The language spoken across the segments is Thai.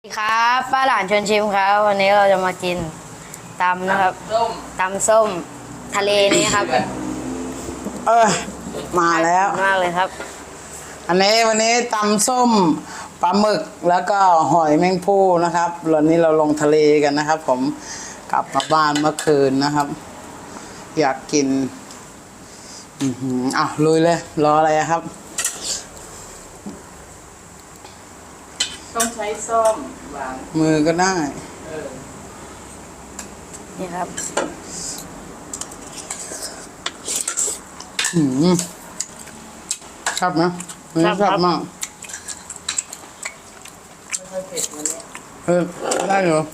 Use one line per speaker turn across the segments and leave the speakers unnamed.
สวัสดีครับป้าหลานชวนชิมครับวันนี้เราจะมากินตำนะครับตำส้มทะเลนี้ครับ
มาแล้ว
มากเลยครับ
วันนี้ตำส้มปลาหมึกแล้วก็หอยแมงภู่นะครับวันนี้เราลงทะเลกันนะครับ ผมกลับมาบ้านเมื่อคืนนะครับ อยากกินลุยเลยรออะไรครับ
ต้องใช้ส้อมวาง
มือก็ได้
นี่ครับ
ชอบนะชอบมาก
ไม่ค่อยเผ็ดวันนี้
ได้เหรอ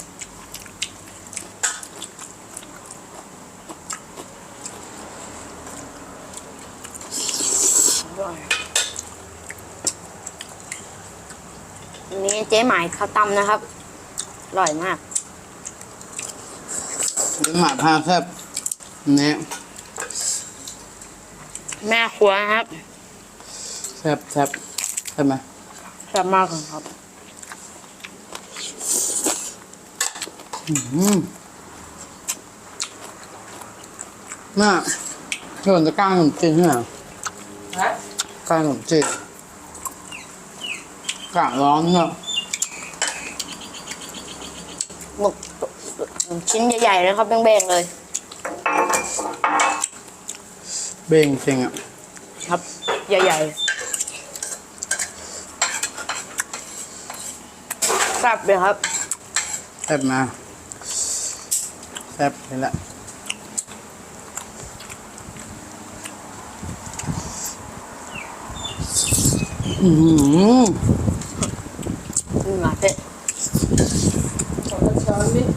อันนี้เจ๊หมายข้าวตำนะครับอร่อยมาก
หมาพาแซ่บเนี่ย
แม่ครัวนะครับ
แซ่บใช่ไหม
แซ่บมากเลยครับ
น่าส่วนจะก้างขนมจีนใช่ไหมก้างขนมจีนกะร้อนเนอะ
หมึกชิ้นใหญ่ๆเลยครับเบ้งๆเลย
เบ่งจริงอ่ะ
ครับใหญ่ๆแซ่บเลยครับ
แซ่บมาแซ่บเลยละ
มาเต้
ช้อนนิด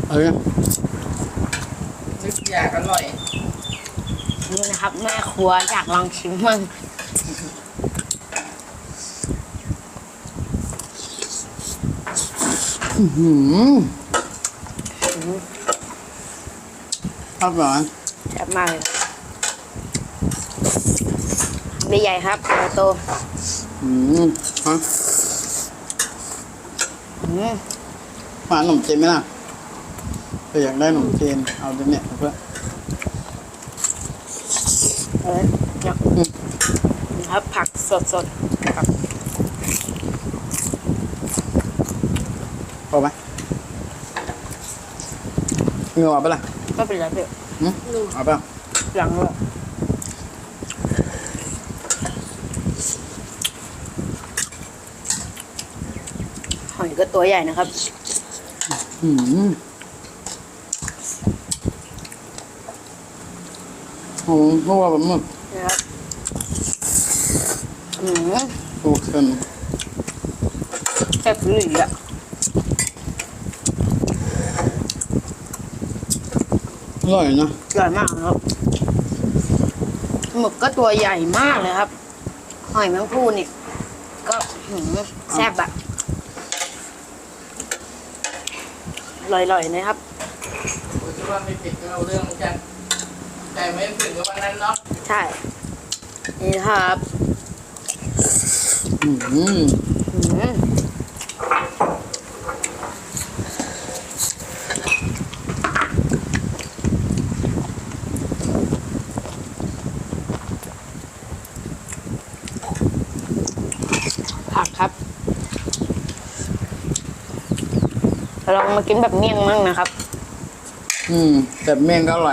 นึกอยากอร่อย
นี่นะครับแม่ครัวอยากลองชิมมั่ง
ชอบหรอ
แซ่บมากเลยใหญ่ๆครับโต
ฮะมาขนมจีนไหมล่ะถ้าอยากได้ขนมจีนเอาตัวเนี้ยเพื่อ
ครับผักสดๆผัก
พอไหมเงือเอาไปล่ะ
ไม่เป็นไรเพื่อน
เอาไป
หลังเลยหอยก็ตัวใหญ่นะครับ
เพราะว่าแบบมึก
นะครับ
โอเค
แซ่บหรืออ่ะ
อร่อยนะ
อร่อยมากครับหมึกก็ตัวใหญ่มากเลยครับหอยแมงภู่นี่ก็แซ่บอะอร่อยๆนะครับ
ผมคิดว่าไม่เผ็ดก็เอาเรื่องเหมือนกันแต่ไม่ถึงกับวันนั้นเนาะ
ใช่นี่ครับผักครับลองมากินแบบเมี่ยงมั่งนะครับ
แต่เมี่ยงก็อร่อย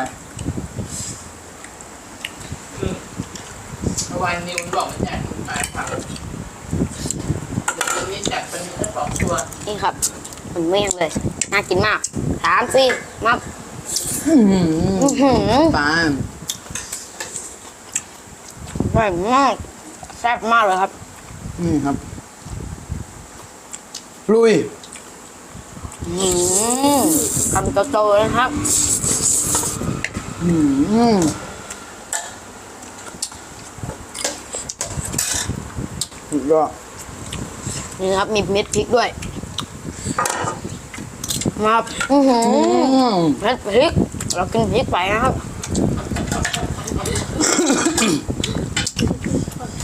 เมื่อวานนิวบอกว่าอยากกินปลาเผาเดี๋ยววันนี้จัดเป็น2 ตัว
นี่ครับเป็นเมี่ยงเลยน่ากินมาก3 4มา
ปลา
อร่อยมากแซ่บมากเลยครับ
นี่ครับลุย
คำโตๆนะครับ
สุดยอด
นี่ครับมีเม็ดพริกด้วยมาเม็ดพริกเรากินพริกไปนะครับ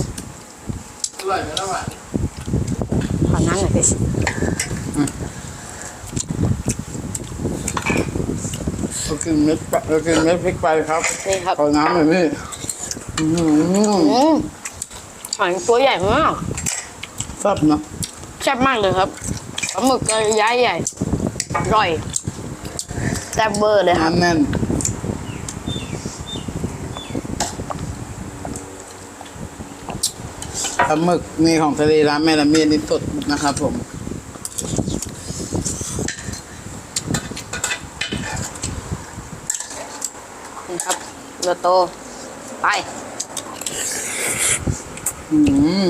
อร่อยไหมล่ะวะ
ขอน้ำหน่อยพี่
เรากินเม็ดพริกไปครับ
นี่ครับ
ขอน้ำหน่อยพี่อื้อหือ
หอยตัวใหญ่มาก
แซ่บนะ
แซ่บมากเลยครับปลาหมึกก็ย้ายใหญ่อร่อยแซ่บเบอร์เลยครับ
น้ำแน่นปลาหมึกนี่ของทะเลร้านแม่ละเมียดนี่สดนะครับผม
นี่ครับโลโตไป
อืม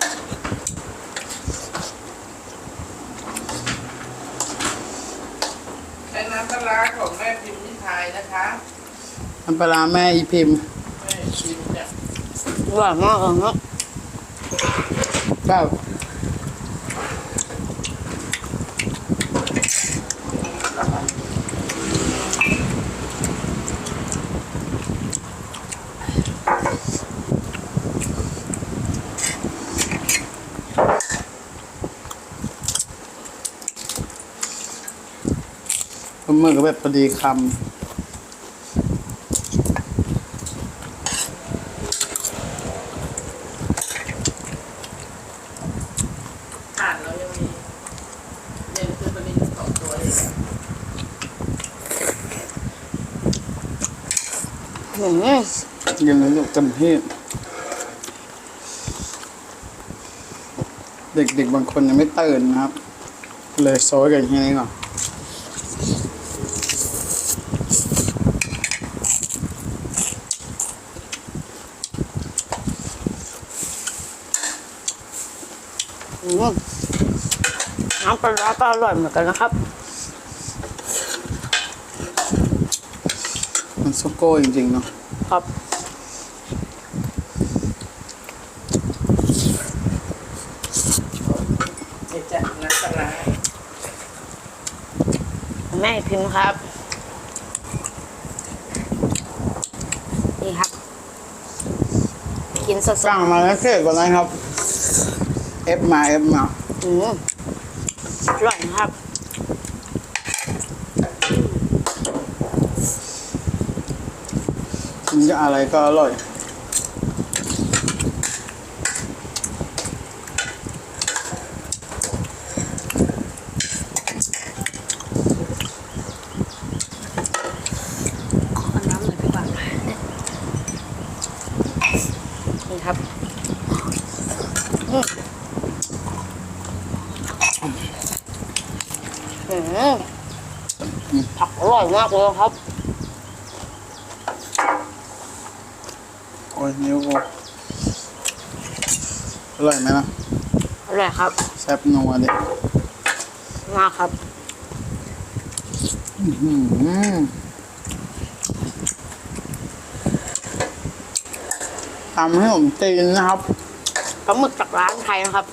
ใช้น้ำปลาร้าของแม่พิมพ์นิทายนะคะ
น้ำปลาร้าแม่อีพิมพ์
แม่พิมพ์เนี่ย
อร่อยมากเลยครับ
แบบ ปลาหมึกก็แบบพอดีค
อ่านเรายังมีเรียนคือประเด็น2 ตัวอยู่แล้ว
อืม
ำกินแล้วลูกเต็มที่เด็กๆบางคนยังไม่ตื่นนะครับ เลยโซยกันแค่นี้ก่อน
อืมน้ำปลาร้าก็อร่อยเหมือนกันนะครับ
มันซุโก้จริงๆเนาะ
ครับ
นี่จะน้ำปลาร้า
แม่พิมพ์ครับ นี่ครับ กินสด
สั่งมาแล้วเสร็จก่อนนะครับ เอฟมา
ๆอืมอร่อยนะครับ
มันจะอะไรก็อร่อย
ขอน้ำหน่อยดีกว่านี่ครับอืมผักอร่อยมากเลยครับ
โอ้ยนิ้วกูอร่อยไหมนะ
อร่อยครับ
แซ่บนัวดิ
มากครับ
ทำให้ผมจีนนะครับ
ปลาหมึกจากร้านไทยนะครับ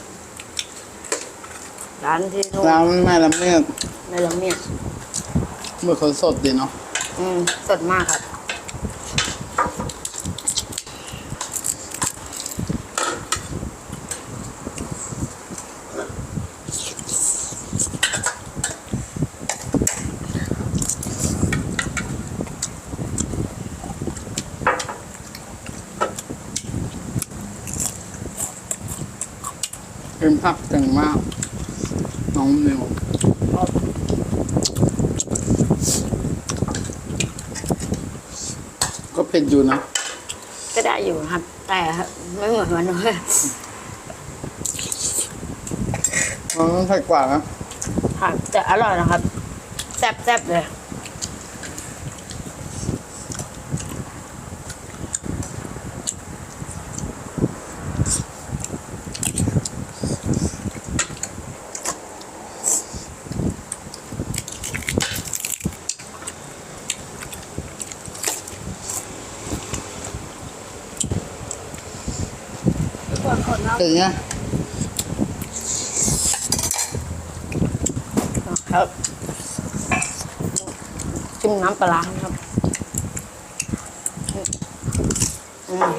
ร้านที่นู่น
ร้านแม่ละเมียด
ในละเมียด
หมึกเขาสดดีเนาะ
สดมากครับ
เป็นผักเก่งมาก น้องนิวก็เผ็ดอยู่นะ
ก็ได้อยู่ครับ แต่ไม่เหมือนวันนู้น
มันต้องเผ็ดกว่านะ
ครับแต่อร่อยนะครับ แซ่บๆเลย
เป็นไง
ครับจิ้มน้ำปลาร้าครับอืม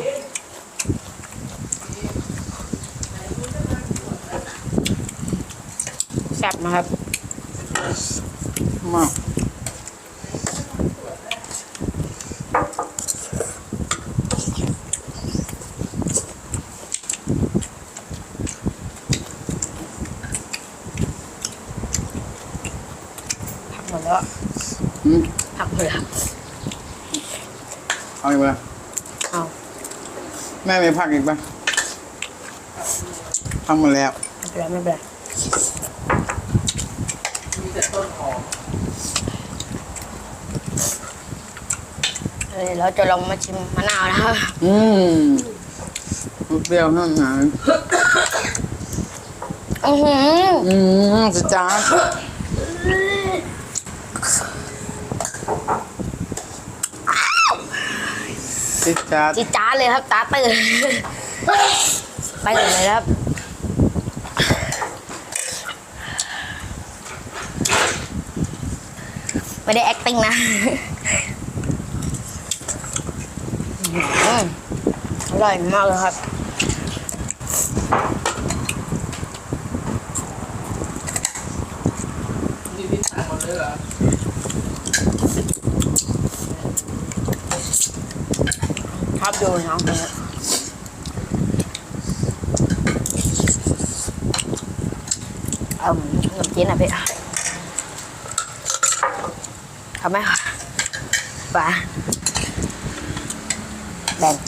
แซ่บนะครับ
มาก
ผักหมดแล้ว
อืม
ผักหมดแล้ว
เอาอีกไหม
เอา
แม่มีผักอีกปะทำหมดแล้ว
ไม่เป็นไร
มีแต่ต้นหอม
เราจะลองมาชิมมะนาวนะครับ
อืมเปรี้ยวข้างใน
อือหือ
สิจ้าสิจ้า
จีดจ้าดเลยครับตาตื่นตื่นเลยครับไม่ได้ acting นะอร่อยมากเลยครับ
นี่ที่ทานหมดเลยเหรอ
ชอบดูน้องคนนี้เอาขนมจีนอ่ะพี่เอาไหมคะป่าแบ่ง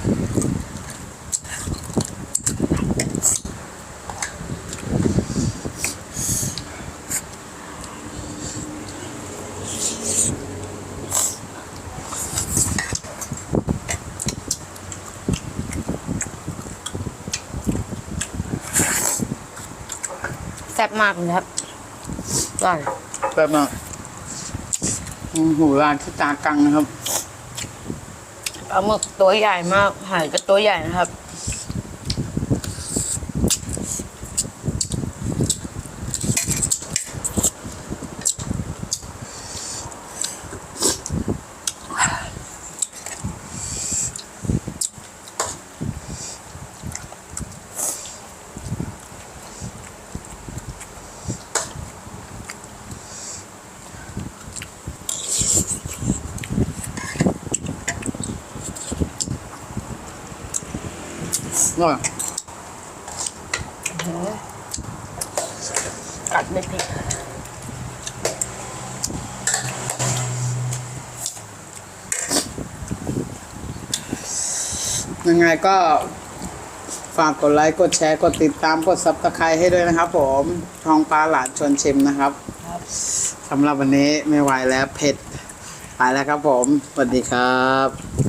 แซ่บมากเลยครับอร่อย
แบบนั้นหูร้านที่ตากังนะครับ
ปลาหมึกตัวใหญ่มากหอยก็ตัวใหญ่นะครับ
อร่อย
กัดไม่ผิด
ยังไงก็ฝากกดไลค์ กดแชร์ กดติดตาม กดซับสไครต์ให้ด้วยนะครับผมทองปลาหลานชวนชิมนะครับ
ครับ
สำหรับวันนี้ไม่ไหวแล้วเผ็ด ไปแล้วครับผม สวัสดีครับ